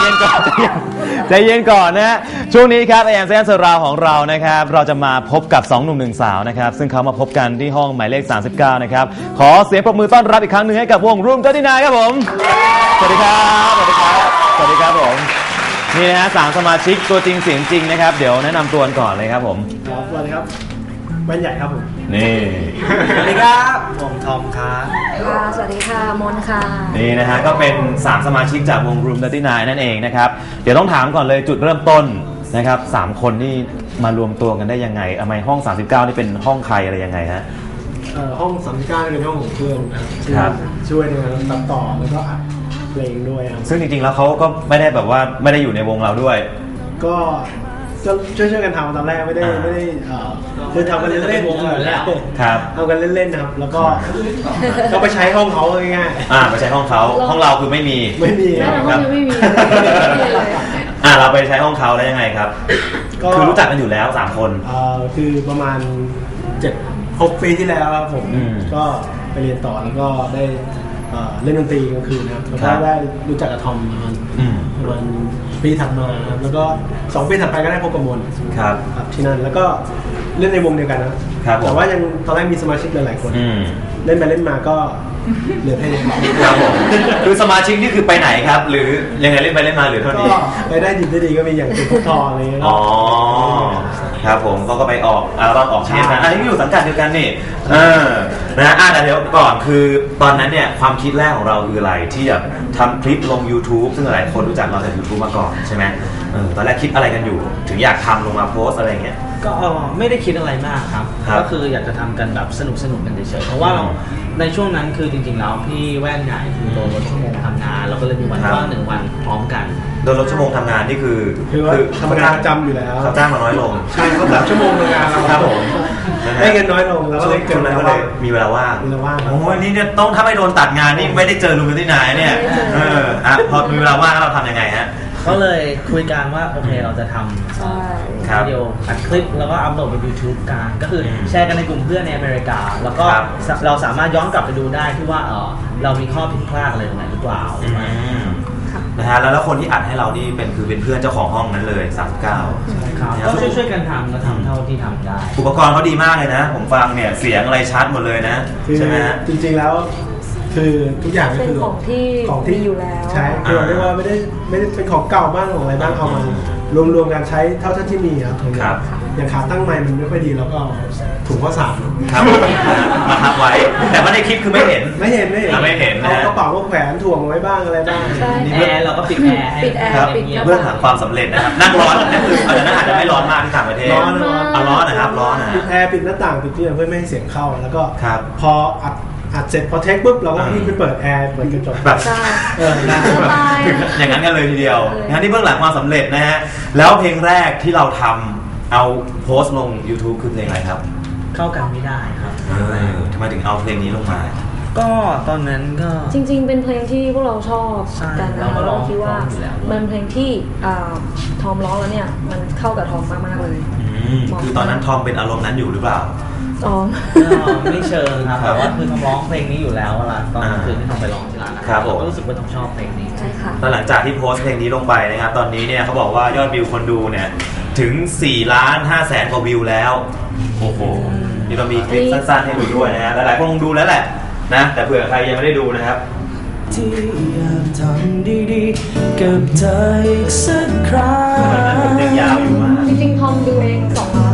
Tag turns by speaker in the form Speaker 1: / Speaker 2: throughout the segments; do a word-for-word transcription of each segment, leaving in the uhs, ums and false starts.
Speaker 1: นก่อนใจเย็นก่อนนะฮะช่วงนี้ครับไอแอมแซนสราวของเรานะครับเราจะมาพบกับสองหนุ่มหนึ่งสาวนะครับซึ่งเขามาพบกันที่ห้องหมายเลขสามสิบเก้านะครับขอเสียงปรบมือต้อนรับอีกครั้งหนึ่งให้กับวง Room สามสิบเก้าครับผมสวัสดีครับสวัสดีครับสวัสดีครับผมนี่นะฮะสามสมาชิกตัวจริงเสียงจริงนะครับเดี๋ยวแนะนำตัวก่อนเลยครับผม
Speaker 2: ครับสวัสดีครับแว่นใหญ่ครับผม
Speaker 1: นี่
Speaker 2: สวัสดีครับผมทอมครับ
Speaker 3: ค่ะสวัสดีค่ะมนค่ะ
Speaker 1: นี่นะฮะก็เป็นสามสมาชิกจากวง Room สามสิบเก้านั่นเองนะครับเดี๋ยวต้องถามก่อนเลยจุดเริ่มต้นนะครับสามคนนี่มารวมตัวกันได้ยังไงทำไมห้องสามสิบเก้านี่เป็นห้องใครอะไรยังไงฮะ
Speaker 2: เอ่อห้องสามสิบเก้าเป็นห้องของเพื่อนนะครับช่วยในการตัดต่อแล้วก็อัดเพลงด้วยครับ
Speaker 1: ซึ่งจริงๆแล้วเขาก็ไม่ได้แบบว่าไม่ได้อยู่ในวงเราด้วย
Speaker 2: ก็จะช่วยช่วยกันทำตอนแรกไม่ได้ไม่ได้คือทำกันเล่นๆวงอยู่แล้ว
Speaker 1: ครับ
Speaker 2: ทำกันเล่นๆนะครับแล้วก็ก็ไปใช้ห้องเขาง่าย
Speaker 1: ๆอ่าไปใช้ห้องเขาห้องเราคือไม่มี
Speaker 2: ไม่มี
Speaker 3: ครับไม่มี
Speaker 1: อ่าเราไปใช้ห้องเขาแล้วยังไงครับคือรู้จักกันอยู่แล้วสามคน
Speaker 2: อ่าคือประมาณเจ็ดหกปีที่แล้วครับผมก็ไปเรียนต่อแล้วก็ได้เล่นดนตรีกลางคืนนะครับแล้วก็ได้รู้จักกับทอมประมาณประมาณปีถัดมาครับแล้วก็สองปีถัดไปก็ได้พบกับมน
Speaker 1: ครับ
Speaker 2: ครับที่นั่นแล้วก็เล่นในวงเดียวกันนะแต่ว่ายังตอนแรกมีสมาชิกหลายๆคนเล่นไปเล่นมาก็เหลือแค่นี้
Speaker 1: ครับผมคือสมาชิกนี่คือไปไหนครับหรือยังไงเล่นไปเล่นมาหรือเท่านี้
Speaker 2: ไปได้ดีได้ดีก็มีอย่างเป็นพวกทออะไรเงี้ย
Speaker 1: อ๋อครับผมเขาก็ไปออกอัลบั้มออกเทปนะอันนี้อยู่สังกัดเดียวกันนี่เออนะอ่ะแต่เดี๋ยวก่อนคือตอนนั้นเนี่ยความคิดแรกของเราคืออะไรที่จะทำคลิปลง YouTube ซึ่งหลายคนรู้จักเราจาก YouTube มาก่อนใช่ไหมเออตอนแรกคิดอะไรกันอยู่ถึงอยากทำลงมาโพสอะไรเงี้ย
Speaker 4: ก็ไม่ได้คิดอะไรมากครับก็คืออยากจะทำกันแบบสนุกสนุกกันเฉยๆเพราะว่าในช่วงนั้นคือจริงๆแล้วพี่แว่นใหญ่คือโดนลดชั่วโมงทำงานเราก็เลยมีวันว่างหนึ่งวันพร้อมกัน
Speaker 1: โดนลดชั่วโมงทำงานนี่คือ
Speaker 2: คือทำงานประจำอยู่แล้ว
Speaker 1: เขาจ้างมาน้อยลง
Speaker 2: ใช่เขาตัดชั่วโมงทำงานเรา
Speaker 1: ครับผม
Speaker 2: ได้เงินน้อยลงแล้วก็เลยเกิด
Speaker 1: ก็เลยมีเวลาว่าง
Speaker 2: มีเวลาว่าง
Speaker 1: โอ้ยนี่เนี่ยต้องถ้าไม่โดนตัดงานนี่ไม่ได้เจอลุงกันที่ไหนเนี่ยเอออ่ะพอมีเวลาว่างเราทำยังไงฮะ
Speaker 4: ก็เลยคุยกันว่าโอเคเราจะทำวิดีโออัดคลิปแล้วก็อัพโหลดไป YouTube กันก็คือแชร์กันในกลุ่มเพื่อนในอเมริกาแล้วก็เราสามารถย้อนกลับไปดูได้ที่ว่าเออเรามีข้อผิดพลาดอะไรตรงไหนหรือเปล่า
Speaker 1: นะฮะแล้วคนที่อัดให้เรานี่เป็นคือเป็นเพื่อนเจ้าของห้องนั้นเลยสามสิบเก้า
Speaker 4: ครับก็ช่วยช่วยกันทำก็ทำเท่าที่ทำได้
Speaker 1: อุปกรณ์เขาดีมากเลยนะผมฟังเนี่ยเสียงอะไรชัดหมดเลยนะใช่ไหมฮะ
Speaker 2: จริงๆแล้วคือทุกอย่างก็คือ
Speaker 3: ของที่
Speaker 2: ของ
Speaker 3: ที่อยู่แล้ว
Speaker 2: ใช่คือเราเรียกว่าไม่ได้ไม่ได้เป็นของเก่าบ้างของอะไรบ้างเอามารวมๆกันใช้เท่าที่มีครับอย่างขาตั้งไม้มันไม่ค่อยดีแล้วก็ถุงข้าวสาร
Speaker 1: ครับมาทับไว้แต่ว่าในคลิปคือไม่เห็น
Speaker 2: ไม่เห็นไม่เห็น
Speaker 1: ไม่เห็น
Speaker 2: เอากระเป๋าก็แขวนถ่วงไว้บ้างอะไรบ้าง
Speaker 4: แอร์เราก็ปิดแอร์
Speaker 3: ปิดแอร์ปิด
Speaker 1: เพื่อหาความสำเร็จนะครับนั่งร้อนนั่นคืออาจจะนั่งอาจจะไม่ร้อนมากที่ต่างประเทศ
Speaker 2: ร้อน
Speaker 1: เอาร้อนนะครับร้อนนะ
Speaker 2: ปิดแอร์ปิดหน้าต่างปิดที่เพื่อไม่ให้เสียงเข้าแล้วก็พออัดอัดเสร็จพอเทคปุ๊บเราก็วิ่งไปเปิดแอร์เปิดกระจก
Speaker 1: แบบเอออย่างนั้นกันเลยทีเดียวงั้นที่เบื้องหลังความสำเร็จนะฮะแล้วเพลงแรกที่เราทำเอาโพสต์ลง YouTube คือเพลงอะไรครับ
Speaker 4: เข้ากันไม่ได้ครับ
Speaker 1: ทำไมถึงเอาเพลงนี้ลงมา
Speaker 4: ก็ตอนนั้นก็
Speaker 3: จริงๆเป็นเพลงที่พวกเราชอบกันนะเราคิดว่ามันเพลงที่ทอมร้องแล้วเนี่ยมันเข้ากับทอมมากๆเลย
Speaker 1: คือตอนนั้นทอมเป็นอารมณ์นั้นอยู่หรือเปล่า
Speaker 3: อ๋อ
Speaker 4: ไม่เชิงครับแต่ว่าคือทอมร้องเพลงนี้อยู่แล้วล่ะตอนคืนที่ทอมไปร้องที่ร้านนะครับก็รู้สึกว่าทอมชอบเพลงนี้
Speaker 3: ใช่ค่ะ
Speaker 1: ตอนหลังจากที่โพสต์เพลงนี้ลงไปนะครับตอนนี้เนี่ยเขาบอกว่ายอดวิวคนดูเนี่ยถึงสี่ล้านห้าแสนกว่าวิวแล้วโอ้โหนี่เรามีคลิปสั้นๆให้ดูด้วยนะฮะหลายๆคนคงดูแล้วแหละนะแต่เผื่อใครยังไม่ได้ดูนะครับ
Speaker 5: ที่อยากทำดีๆกับเธออีกสักครั้ง
Speaker 1: มันยังยาวอยู่มาก
Speaker 3: จริงๆทอมดูเองสองล้าน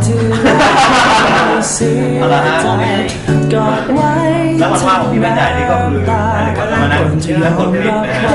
Speaker 1: เอาละฮะแล้ววันว่างของพี่แม่ใหญ่นี่ก็คืออะไรกันมานั่งเชื่อคนผลิตนะฮะ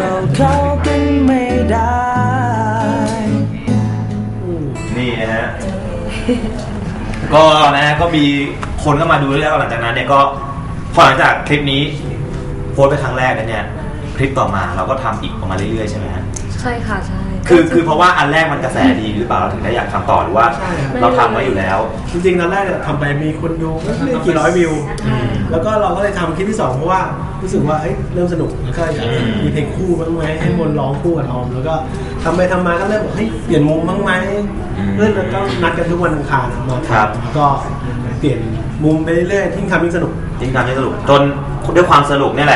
Speaker 1: นี่นะฮะก็นะฮะก็มีคนก็มาดูแล้วหลังจากนั้นเนี่ยก็พอหลังจากคลิปนี้โพสต์ไปครั้งแรกแล้วเนี่ยคลิปต่อมาเราก็ทำอีกออกมาเรื่อยๆใช่ไหมฮะ
Speaker 3: ใช่ค่ะใช่
Speaker 1: คือคือเพราะว่าอันแรกมันกระแสดีหรือเปล่าเราถึงได้อยากทำต่อหรือว่าเราทำไว้อยู่แล้ว
Speaker 2: จริงๆตอนแรกเนี่ยทำไปมีคนดูไม่กี่ร้อยวิวแล้วก็เราก็เลยทำคลิปที่สองเพราะว่ารู้สึกว่าเอ้ยเริ่มสนุกแล้วก็อยากมีเพลงคู่บ้างไหมให้มนร้องคู่กับทอมแล้วก็ทำไปทำมาก็เริ่มบอกเฮ้ยเปลี่ยนมุมบ้างไหมเพื่อนแล้วก็นัดกันทุกวันอังคารมาแล้วก็เปลี่ยนมุมไปเรื่อยๆยิ่งทำยิ่งสนุก
Speaker 1: ยิ่งทำยิ่งสนุกจนด้วยความสนุกนี่แหละ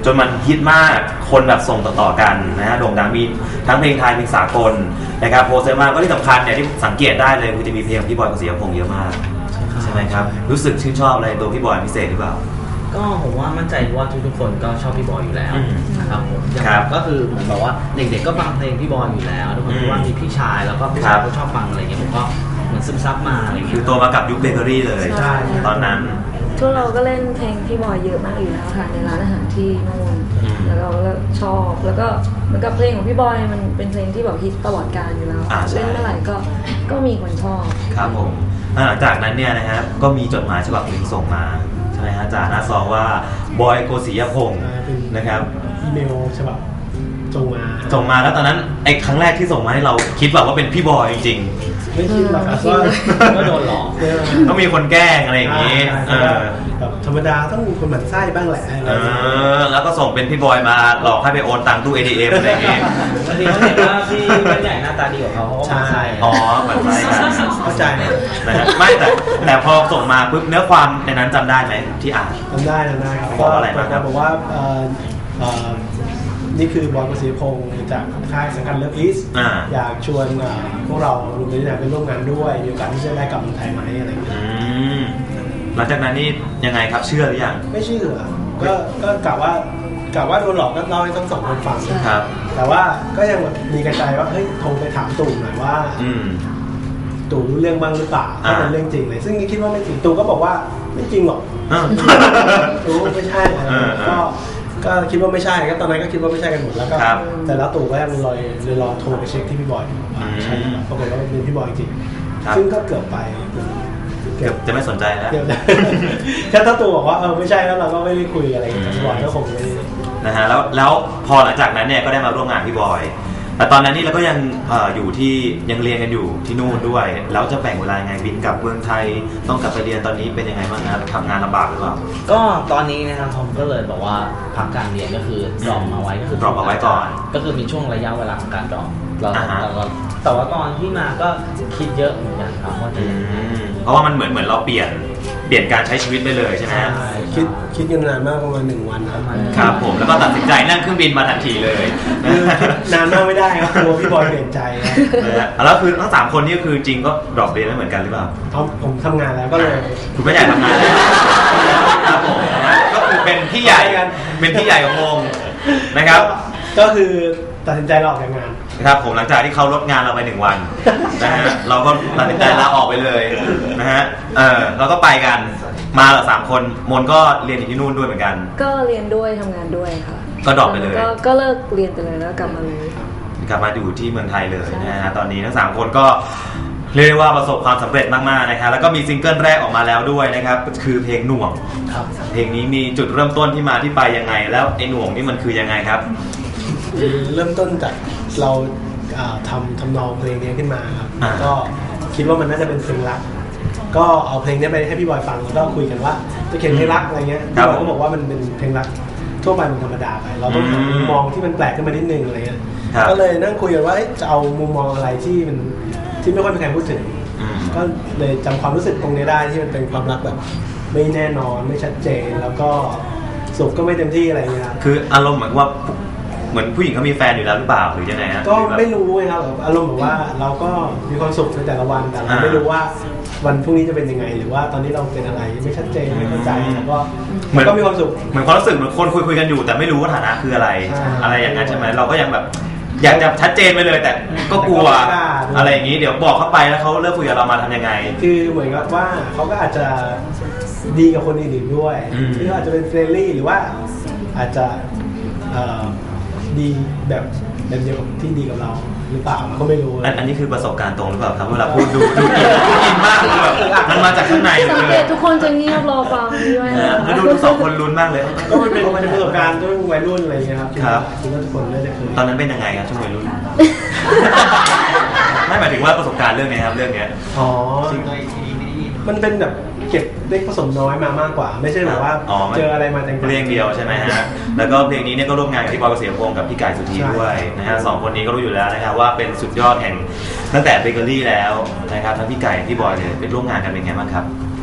Speaker 1: จนมันฮิตมากคนแบบส่งต่อๆกันนะฮะโด่งดังมีทั้งเพลงไทยเพลงสากลนะครับโพสต์เยอะมากก็ที่สำคัญเนี่ยที่สังเกตได้เลยคือจะมีเพลงของพี่บอยกฤษณพงษ์เยอะมากใช่ไหมครับรู้สึกชื่นชอบอะไรตัวพี่บอยพิเศษหรือเปล่า
Speaker 4: ก็ผมว่ามั่นใจว่าทุกๆคนก็ชอบพี่บอยอยู่แล้วนะครับผมอย่าง
Speaker 1: ครับ
Speaker 4: ก็คือเหมือนแบบว่าเด็กๆก็ฟังเพลงพี่บอยอยู่แล้วทุกคนคิดว่ามีพี่ชายแล้วก็พี่ชายก็ชอบฟังอะไรเงี้ยผมก็เหมือนซึมซับมาอะไรเงี้ย
Speaker 1: คือโตมากับยุคเบเกอรี่เลย
Speaker 3: ใช่
Speaker 1: ตอนนั้น
Speaker 3: ทุกเราก็เล่นเพลงพี่บอยเยอะมากอยู่แล้วค่ะในร้านอาหารที่นู่น
Speaker 1: อืม
Speaker 3: แล้วเราก็ชอบแล้วก็เหมือนกับเพลงของพี่บอยมันเป็นเพลงที่แบบฮิตตลอดกาลอยู่แล้ว
Speaker 1: อ่าใช่
Speaker 3: เล่นเมื่อไหร่ก็ก็มีคนชอบ
Speaker 1: ครับผมหลังจากนั้นเนี่ยนะครับก็มีจดหมายฉบับหนึ่งส่งมาใช่ไหมฮะจากหน้าซองว่าบอยโกศิยพงศ์นะครับ
Speaker 2: อีเมลฉบับส่งมา
Speaker 1: ส่งมาแล้วตอนนั้นไอ้ครั้งแรกที่ส่งมาให้เราคิดแบบว่าเป็นพี่บอยจริง
Speaker 2: ไม่คิดหรอกครับว่า
Speaker 4: ก็โดนหลอก
Speaker 1: ๆต้องมีคนแกล้งอะไรอย่างนี้เออ
Speaker 2: แบบธรรมดาต้องมีคนหมั่นไส้บ้างแหละอะไร
Speaker 1: เออแล้วก็ส่งเป็นพี่บอยมาหลอกให้ไปโอนตังค์ตู้ เอ ที เอ็ม อะไรอย่างงี้
Speaker 4: บางทีเขาเห็นว่าพี่แว่นใหญ่หน้าตาดีกว่าเขาเขาก็มาใส่
Speaker 1: อ๋อเหมือนไรกัน
Speaker 2: เข้าใจ
Speaker 1: นะฮะไม่แต่แต่พอส่งมาปุ๊บเนื้อความในนั้นจำได้ไหมที่อ่าน
Speaker 2: ทำได้ทำได้ครับ
Speaker 1: บอกอะไรบ้างครับ
Speaker 2: บอกว่าเอ่อเอ่อนี่คือบอยกฤษณพงศ์จากค่ายสังกัดเลิฟอีส
Speaker 1: อ่า
Speaker 2: อยากชวนเอ่อพวกเรารวมถึงอยากไปร่วมงานด้วยมีโอกาสที่จะได้กลับเมืองไทยไหมอะไรอย่างเงี้ย
Speaker 1: อืมหลังจากนั้นนี่ยังไงครับเชื่อหรือยัง
Speaker 2: ไม่เชื่อก็ก็กะว่ากะว่าโดนหลอกก็เล่าให้ทั้งสองคนฟัง
Speaker 1: ครับ
Speaker 2: แต่ว่าก็ยังแบบมีกระจายว่าเฮ้ยโทรไปถามตู่หน่อยว่า
Speaker 1: อืม
Speaker 2: ตู่รู้เรื่องบ้างหรือเปล่า
Speaker 1: อ่า
Speaker 2: ถ้าเป็นเรื่องจริงเลย ซึ่งคิดว่าไม่จริงตู่ก็บอกว่าไม่จริงหรอก
Speaker 1: อ้าว
Speaker 2: ตู่ไม่ใช่อะไร
Speaker 1: เออเออ
Speaker 2: ก็ก็คิดว่าไม่ใช่ก็ตอนนั้นก็คิดว่าไม่ใช่กันหมดแล้วก็
Speaker 1: ครับ
Speaker 2: แต่แล้วตู่ก็ยังลอยเลยรอโทรไปเช็คที่พี่บอยว่าใช่หรือเปล่าปรากฏว่าเป็นพี่บอยจริง
Speaker 1: ครับ
Speaker 2: ซึ่งก็เกือบไป
Speaker 1: เกือบจะไม่สนใจแล้ว
Speaker 2: เกือบ แค่ถ้าตู่บอกว่าเออไม่ใช่แล้วเราก็ไม่ได้คุยอะไรกับพี่บอยก็คงไม่ได้
Speaker 1: นะฮะแล้วแล้วพอหลังจากนั้นเนี่ยก็ได้มาร่วมงานพี่บอย แต่ตอนนั้นนี่เราก็ยังเอ่ออยู่ที่ยังเรียนกันอยู่ที่นู่นด้วย แล้วจะแบ่งเวลายังไงบินกลับเมืองไทยต้องกลับไปเรียนตอนนี้เป็นยังไงบ้างครับทำงานลำบากหรือเปล่า
Speaker 4: ก็ตอนนี้นะครับผมก็เลยบอกว่าพักการเรียนก็คือดรอปเอาไว้ก็คือ
Speaker 1: drop เอาไว้ก่อน
Speaker 4: ก็คือมีช่วงระยะเวลาของการดรอปเรา
Speaker 1: อ่าฮะ
Speaker 4: เราแต่ว่าตอนที่มาก็คิดเยอะเหมือนกันครับว่าจะ
Speaker 1: อื
Speaker 4: ยังไง
Speaker 1: มเพราะว่ามันเหมือนเหมือนเราเปลี่ยนเปลี่ยนการใช้ชีวิตไปเลยใช่ไหมฮะ
Speaker 2: คิดคิดกันนานมากประมาณหนึ่งวันครับ
Speaker 1: ครับผมแล้วก็ตัดสินใจนั่งเครื่องบินมาทันทีเลยนะ
Speaker 2: คือคิดนานมากไม่ได้ครับกลัวพี่บอยเปลี่ยนใจครับ
Speaker 1: นะฮะแล้วคือทั้งสามคนนี่ก็คือจริงก็ดรอปเรียนไม่เหมือนกันหรือเปล่า
Speaker 2: เอาผมทำงานแล้วก็เลย
Speaker 1: คุณไม่ใหญ่ทำงานแล้วครับผมนะฮะก็คือเป็นพี่ใหญ่เป็นพี่ใหญ่ของวงนะครับ
Speaker 2: ก็คือตัดสินใจลาออกจากงาน
Speaker 1: ครับผมหลังจากที่เขาลดงานเราไปหนึ่งวันนะฮะเราก็ตัดสินใจลาออกไปเลยนะฮะเออเราก็ไปกันมาเหรอสามคนมนก็เรียนอยู่ที่นู่นด้วยเหมือนกัน
Speaker 3: ก็เรียนด้วยทำงานด้วยค่ะ
Speaker 1: ก็ดรอปไปเลย
Speaker 3: ก็ก็เลิกเรียนไปเลยแล้วกลับมาเลย
Speaker 1: กลับมาอยู่ที่เมืองไทยเลยนะฮะตอนนี้ทั้งสามคนก็เรียกได้ว่าประสบความสำเร็จมากๆนะครับแล้วก็มีซิงเกิลแรกออกมาแล้วด้วยนะครับคือเพลงหน่วง
Speaker 2: ครับ
Speaker 1: เพลงนี้มีจุดเริ่มต้นที่มาที่ไปยังไง แล้วไอ้หน่วงนี่มันคือยังไงครับ
Speaker 2: เริ่มต้นจากเราอ่าทำทำนองเพลงนี้ขึ้นมาครับ
Speaker 1: อ่า
Speaker 2: ก็คิดว่ามันน่าจะเป็นเพลงรัก ก็เอาเพลงนี้ไปให้พี่บอยฟังแล้วก็คุยกันว่าจะเขียนเพลงรักอะไรเงี้ยพี่บอยก็บอกว่ามันเป็นเพลงรักทั่วไปมันธรรมดาไป เราต้องหามุมมองที่มันแปลกขึ้นมานิดนึงอะไรเงี้ย
Speaker 1: ครับ
Speaker 2: ก็เลยนั่งคุยกันว่าเอ๊ะจะเอามุมมองอะไรที่มันที่ไม่ค่อยมีใครพูดถึง
Speaker 1: อืม
Speaker 2: ก็เลยจำความรู้สึกตรงนี้ได้ที่มันเป็นความรักแบบ ไม่แน่นอนไม่ชัดเจนแล้วก็สุขก็ไม่เต็มที่อะไรเงี้ยครับ
Speaker 1: คืออารมณ์เหมือนว่าเหมือนผู้หญิงเขามีแฟนอยู่แล้วหรือเปล่าหรือยังไงฮะ
Speaker 2: ก็
Speaker 1: หรือแบบ
Speaker 2: ไม่รู้ไงครับแบบอารมณ์แบบว่าเราก็มีความสุขในแต่ละวันแต่เรา
Speaker 1: อ่า
Speaker 2: ไม่รู้ว่าวันพรุ่งนี้จะเป็นยังไง หรือว่าตอนนี้เราเป็นอะไรไม่ชัดเจนไม่เข้าใจแล้วก็
Speaker 1: เหมือน
Speaker 2: ก็มีความสุข
Speaker 1: เหมือนความรู้สึกเหมือนคนคุยคุยกันอยู่ แต่ไม่รู้ว่าฐานะคืออะไร
Speaker 2: ใช่
Speaker 1: อะไรอย่างนั้นใช่ไหมเราก็ยังแบบ อยากจะชัดเจนไปเลย แต่ก็กลัว
Speaker 2: แต่ก็ไม่กล้าด้วย
Speaker 1: อะไรอย่างนี้เดี๋ยวบอกเข้าไปแล้วเขาเลิกคุยกับเรามาทำยังไง
Speaker 2: คือเหมือนกับว่าเขาก็อาจจะดีกับคนอื่นๆด้วย
Speaker 1: อืม
Speaker 2: หรืออาจจะเป็นเฟรนลี่หรือว่าอาจจะเอ่อดีแบบแบบเดียวกับที่ดีกับเราหรือเปล่าเราก็ไม่รู้
Speaker 1: อันอันนี้คือประสบการณ์ตรงหรือเปล่าครับเวลาพูดดูดูอินดูอินมากคือแบบมันมาจากข้างใน
Speaker 3: สัง
Speaker 1: เล
Speaker 3: เก
Speaker 1: ย
Speaker 3: ตทุกคนจะเงียบรอฟังนี่ไว้
Speaker 1: นะ
Speaker 3: นะ
Speaker 1: ฮะแล้วดูดูสองคนลุ้นมากเลย
Speaker 2: ก็มันเป็นมันเป็นประสบการณ์ช่วงวัยรุ่นอะไรอย่างเงี้ยครับ
Speaker 1: ครับ
Speaker 2: คิดว่าทุกคนน่าจะเคย
Speaker 1: ตอนนั้นเป็นยังไงครับช่วงวัยรุ่น ไม่หมายถึงว่าประสบการณ์เรื่องนี้ครับเรื่องเนี้ย
Speaker 2: อ๋อมันเป็นแบบเก็บเล็กผสมน้อยมามากกว่า ไม่ใช่แบบว่า
Speaker 1: อ๋อมัน
Speaker 2: เจออะไรมาแต่งๆ
Speaker 1: เพลงเดียวใช่ไหมฮะ แล้วก็เพลงนี้เนี่ยก็ร่วมงานกับพี่บอยกฤษณพงศ์กับพี่กายสุธี
Speaker 2: ใช่
Speaker 1: ด้วยนะฮะสองคนนี้ก็รู้อยู่แล้วนะครับว่าเป็นสุดยอดแห่งตั้งแต่เบเกอรี่แล้วนะครับทั้งพี่ไก่พี่บอยเนี่ยเป็นร่วมงานกันเป็นไงบ้างครับ
Speaker 2: ก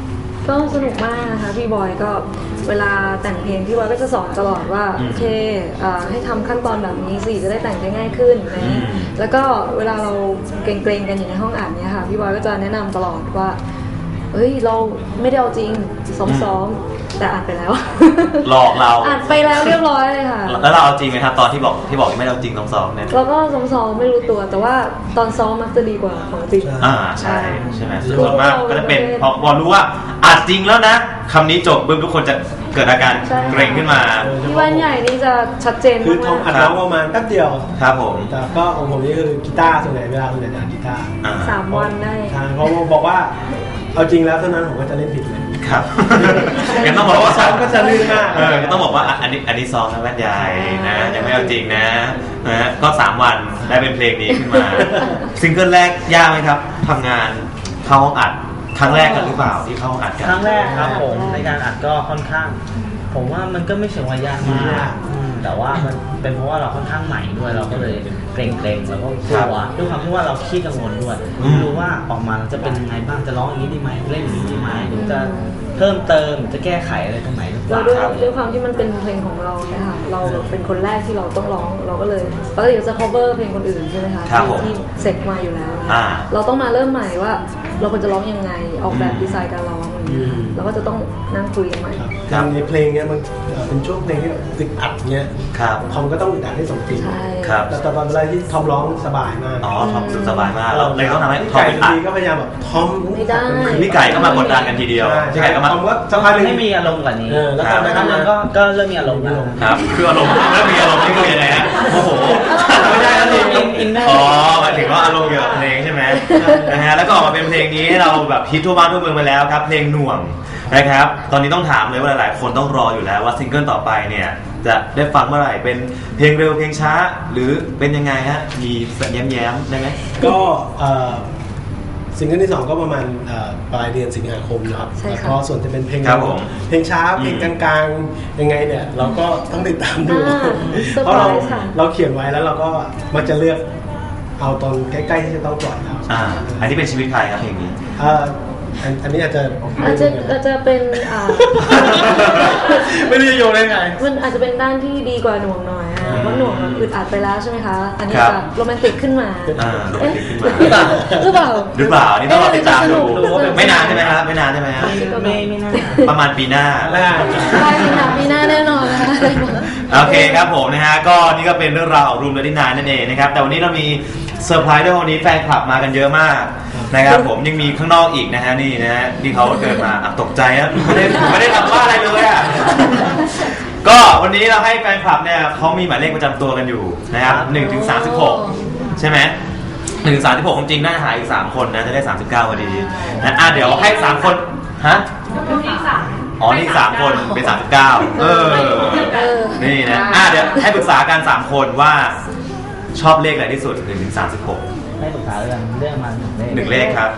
Speaker 3: ก็สนุกมากนะคะพี่บอยก็เวลาแต่งเพลงพี่บอยก็จะสอนตลอดว่า
Speaker 1: อืม
Speaker 3: โอเคอ่าให้ทำขั้นตอนแบบนี้สิจะได้แต่งได้ง่ายขึ้นอะไรอย่างนี้
Speaker 1: อืม
Speaker 3: แล้วก็เวลาเราเกรงๆกันอยู่ในห้องอัดเนี้ยค่ะพี่บอยก็จะแนะนำตลอดว่าเอ้ยเราไม่ได้เอาจริงซ้อมๆแต่อัดไปแล้ว
Speaker 1: หลอกเรา
Speaker 3: อัดไปแล้วเรียบร้อยเลยค่ะ
Speaker 1: แล้วเราเอาจริงไหมครับตอนที่บอกที่บอกยังไม่ได้เอาจริงต้องซ้อมเนี่ย
Speaker 3: เราก็ซ้อมๆไม่รู้ตัวแต่ว่าตอนซ้อมมักจะดีกว่าของจริง
Speaker 1: อ่าใช่ใช่ไหมส่วนมากก็จะเป็นพอพอรู้ว่าอัดจริงแล้วนะคำนี้จบปุ๊บทุกคนจะเกิดอาการ
Speaker 3: ใช่
Speaker 1: เกรงขึ้นมา
Speaker 3: ที่วันใหญ่นี่จะชัดเจน
Speaker 2: คือทอ
Speaker 3: มาม ก
Speaker 2: อัดร้องประมาณแป๊บเดียว
Speaker 1: ครับผม
Speaker 2: แต่ก็ของผมนี่คือกีตาร์ส่วนใหญ่เวลาส่วนใหญ่จะอัดกีตาร์
Speaker 1: อ่า
Speaker 3: ๆสามวันได้
Speaker 2: ใช่เพราะว่าบอกว่าเอาจริงแล้วเท่านั้นผมก็จะเล่นผิดเลย
Speaker 1: ครับงั้นต้องบอกว่า
Speaker 2: ซ้อมก็จะลื่นมาก
Speaker 1: เออก็ต้องบอกว่าอ่ะอันนี้อันนี้ซ้อมนะแว่นใหญ่นะยังไม่เอาจริงนะนะฮะก็สามวันได้เป็นเพลงนี้ขึ้นมาซิงเกิลแรกยากไหมครับทำงานเข้าห้องอัดครั้งแรกกันหรือเปล่าที่เข้าห้องอัดกัน
Speaker 4: ครั้งแรกครับผมในการอัดก็ค่อนข้าง ผมว่ามันก็ไม่เชิงว่ายากมากอืมแต่ว่ามันเป็นเพราะว่าเราค่อนข้างใหม่ด้วยเราก็เลยเกรงๆแล้วก็กลัวด้วยความที่ว่าเราขี้กังวลด้วยไม่รู้ว่าออกมาจะเป็นยังไงบ้างจะร้องอย่างนี้ดีไหมเล่นอย่างนี้ดีไหมหรือจะเพิ่มเติมจะแก้ไขอะไรตรงไหนหรือเป
Speaker 3: เรา
Speaker 4: ล่า
Speaker 3: ด้วย
Speaker 4: ครับ
Speaker 3: ด้วยความที่มันเป็นเพลงของเราเนี่ยค่ะเราแบบเป็นคนแรกที่เราต้องร้องเราก็เลยปกติเราจะ cover เพลงคนอื่นใช่ไหมคะ
Speaker 1: ครับผม
Speaker 3: ที่เสร็จมาอยู่แล้ว
Speaker 1: อ่า
Speaker 3: เราต้องมาเริ่มใหม่ว่าเราควรจะร้องยังไงออกแบบดีไซน์การร้องอะไรอย่างเงี้ย
Speaker 2: อืม
Speaker 3: เราก็จะต้องนั่งคุยกันใหม่
Speaker 2: ครับในเพลงเนี้ยมันเอ่อเป็นช่วงเพลงที่แบบอึดอัดเนี้ย
Speaker 1: ครับ
Speaker 2: ทอมก็ต้องอึดอัดให้สมจริง
Speaker 3: ใช่
Speaker 1: ครับ
Speaker 2: แต่ตอนเวลาที่ทอมร้องสบายมาก
Speaker 1: อ๋อทอมรู้สึกสบายมากเราเลยต้องทำให้
Speaker 2: พี่
Speaker 1: ทอม
Speaker 2: ไก่
Speaker 1: เป็น
Speaker 2: บาง
Speaker 1: อัด
Speaker 2: ทีก็พยายามแบบทอม
Speaker 3: ไม่ได้
Speaker 1: คือพี่ไก่ก็มากดดันกันทีเดียว
Speaker 2: ใช่
Speaker 1: พี่ไก่ก็มา
Speaker 2: ทอมก็สักพักหนึง
Speaker 4: ให้มีอารมณ์กว่านี้
Speaker 2: เออแล้ว
Speaker 1: ครั
Speaker 2: ต
Speaker 1: บ
Speaker 2: อนนั้น
Speaker 4: ทำ
Speaker 2: ทำ
Speaker 4: มั
Speaker 2: งาน น
Speaker 4: ก็ก็เริ่มมีอารมณ์แล้ว
Speaker 1: ครับคืออารมณ์แล้วมีอารมณ์นี่คือยังไงฮะโอ้โหไม่ได้อารมณ์
Speaker 4: อินอินเนอร์
Speaker 1: อ๋อหมายถึงว่าอารมณ์เกี่ยวกับเพลงใช่ไหมนะฮะแล้วก็ออกมาเป็นเพลงนี้ให้เราแบบฮิตทั่วบ้านทั่วเมืองไปแล้วครับเพลงหน่วงนะครับตอนนี้ต้องถามเลยว่าหลายๆคนต้องรออยู่แล้วว่าซิงเกิลต่อไปเนี่ยจะได้ฟังเมื่อไหร่เป็นเพลงเร็วเพลงช้า หรือเป็นยังไงฮะมีแย้มๆได้ไหม
Speaker 2: ก็เอ่อซิงเกิลที่สองก็ประมาณเอ่อปลายเดือนสิงหาคมนะครับ
Speaker 3: ใช่ค่ะ
Speaker 2: แล้วก็ส่วนจะเป็นเพลง
Speaker 1: ครับผม
Speaker 2: เพลงช้าเพลง
Speaker 1: อื
Speaker 2: ก
Speaker 1: ม
Speaker 2: ลางๆยังไงเนี่ยเราก็ต้องติดตามดู
Speaker 3: อ่า
Speaker 2: เพราะเรา
Speaker 3: เซอร์ไพรส์ค่ะ
Speaker 2: เราเขียนไว้แล้วเราก็มักจะเลือกเอาตอนใกล้ๆที่จะต้องปล่อยแล้ว
Speaker 1: อ่าอันนี้เป็นชีวิตใครครับเพลงนี้
Speaker 2: เอ่ออันอันนี้อาจจะ
Speaker 3: อาจจะอาจจะเป็นอ่า
Speaker 2: ไม่รู้จะโยงได้ไง
Speaker 3: มันอาจจะเป็นด้านที่ดีกว่าหน่วงหน่อยอ่ะเพราะหน่วงมันอึดอัดไปแล้วใช่ไหมคะ อันนี้
Speaker 1: ครับ
Speaker 3: จะโรแมนติกขึ้นมา
Speaker 1: อ่าโรแมนติกขึ้นมา
Speaker 3: เอ๊ะหรือเปล่า
Speaker 1: หรือเปล่านี่ต้องรอติดตามดู
Speaker 3: เอ๊ะจะสก
Speaker 1: ไม่นานใช่ไหมครับไม่นานใช่ไหมครับ
Speaker 4: ไม่ไม่น่า
Speaker 1: ประมาณปีหน้า
Speaker 2: น่า
Speaker 3: ปลายปีหน้าปีหน้าแน่นอนนะคะ
Speaker 1: โอเคครับผมนะฮะก็นี่ก็เป็นเรื่องราวของรูมเดอร์ดี้นายนั่นเองนะครับแต่วันนี้เรามีเซอร์ไพรส์ด้วยวันนี้แฟนคลับมากันเยอะมากนะครับผมยังมีข้างนอกอีกนะฮะนี่นะฮะที่เขาเดินมาอ่ะตกใจนะไม่ได้ไม่ได้ทำว่าอะไรเลยอ่ะก็วันนี้เราให้แฟนคลับเนี่ยเขามีหมายเลขประจำตัวกันอยู่นะครับหนึ่งถึงสามสิบหกใช่ไหมหนึ่งถึงสามสิบหกจริงๆน่าจะหาอีกสามคนนะจะได้สามสิบเก้าพอดีนะอ่ะเดี๋ยวให้สามคนฮะอ๋อนี่สามคนเป็นสามสิบเก้าเออ
Speaker 3: เออ
Speaker 1: นี่นะอ่ะเดี๋ยวให้ปรึกษากันสามคนว่าชอบเลขอะไรที่สุดหนึ่งถึงสามสิบหก
Speaker 4: ให้ปรึกษาเรื่องเรื่องมัน
Speaker 1: หนึ่งเลขครับ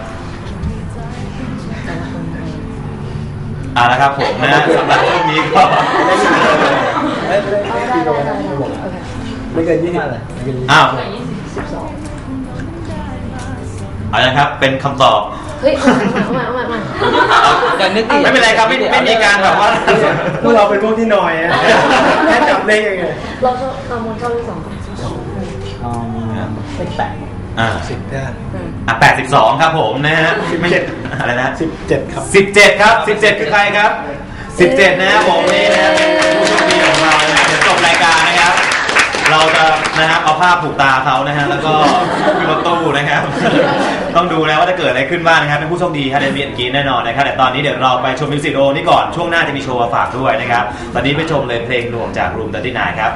Speaker 1: เอาละครับผมนะสำหรับช่วงนี้ก็
Speaker 2: ไม่ได้ไม่ได้
Speaker 3: ได้
Speaker 2: ไม่
Speaker 3: ได้
Speaker 2: ได้
Speaker 3: ได้
Speaker 2: ไม่บอก
Speaker 3: โอเค
Speaker 2: ไม่เกินยี่สิบ
Speaker 4: เลย
Speaker 2: ไม่เกินยี่สิบ
Speaker 1: อ้าว
Speaker 3: สิบสอง
Speaker 1: เอาละครับเป็นคำตอบ
Speaker 3: เฮ้ยเอามาเอามาเอามาเอามา
Speaker 4: กันนึกอีก
Speaker 1: ไม่เป็นไรครับไม่ไม่มีการแบบว่า
Speaker 2: พวกเราเป็นพวกที่นอยอะแค่จับเลขยังไง
Speaker 3: เราชอบเรามนชอบที่สอง
Speaker 4: อ๋อเลขแปด
Speaker 1: อ่า
Speaker 2: สิบเนี่ย
Speaker 3: อืม
Speaker 1: อ่ะแปดสิบสองครับผมนะฮะไม่ใช่อะไรนะ
Speaker 2: สิบเจ็ดครับ
Speaker 1: สิบเจ็ดครับสิบเจ็ดคือใครครับสิบเจ็ดนะครับผมนี่นะเป็นผู้โชคดีของเรานะเดี๋ยวจบรายการนะครับ เราจะนะครับเอาผ้าผูกตาเขานะฮะแล้วก็ขึ้นรถตู้นะครับ ต้องดูนะว่าจะเกิดอะไรขึ้นบ้างนะครับเป็นผู้โชคดีฮะเดนเบียนกีแน่นอนนะครับแต่ตอนนี้เดี๋ยวเราไปชมมิวสิกวิดีโอนี่ก่อนช่วงหน้าจะมีโชว์มาฝากด้วยนะครับตอนนี้ไปชมเลยเพลงหน่วงจากรูมเดอร์ตี้นายครับ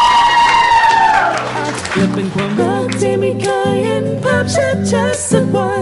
Speaker 5: เกิดเป็นความรักที่ไม่เคยเห็นภาพชัดๆสักวัน